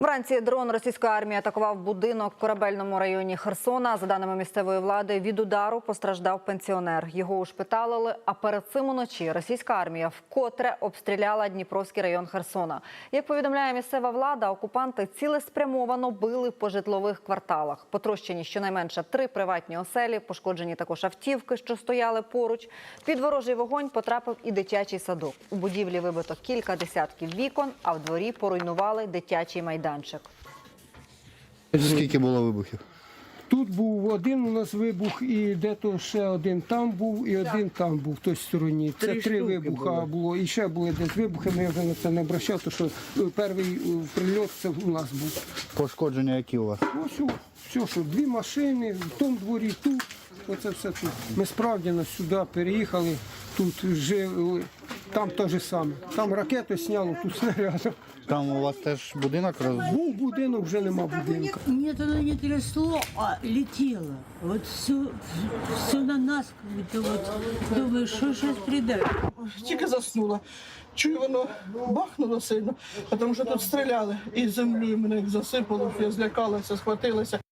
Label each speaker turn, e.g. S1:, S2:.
S1: Вранці дрон російської армії атакував будинок в корабельному районі Херсона. За даними місцевої влади, від удару постраждав пенсіонер. Його ушпиталили, а перед цим уночі російська армія вкотре обстріляла Дніпровський район Херсона. Як повідомляє місцева влада, окупанти цілеспрямовано били по житлових кварталах. Потрощені щонайменше 3 приватні оселі, пошкоджені також автівки, що стояли поруч. Під ворожий вогонь потрапив і дитячий садок. У будівлі вибито кілька десятків вікон, а в дворі поруйнували дитячий майданчик.
S2: Скільки було вибухів?
S3: Тут був один у нас вибух, і де-то ще один там був, і один там був, в той стороні. Це 3 вибуха було. І ще були десь вибухи, ми вже на це не обращав, тому що перший прильот це у нас був.
S2: Пошкодження які у вас?
S3: Ось все, що 2 машини, в тому дворі, тут, оце все тут. Ми справді сюди переїхали, тут жили, там те ж саме. Там ракету сняло, тут снарядом.
S2: Там у вас теж будинок розбив?
S3: Був будинок, вже нема будинка.
S4: Нет, оно не трясло, а летело. Вот все на нас, как-то вот. Думаю, що щось прийде.
S5: Тільки заснула. Чую, воно бахнуло сильно, тому що тут стріляли. І землею мене як засипало, я злякалася, схватилася.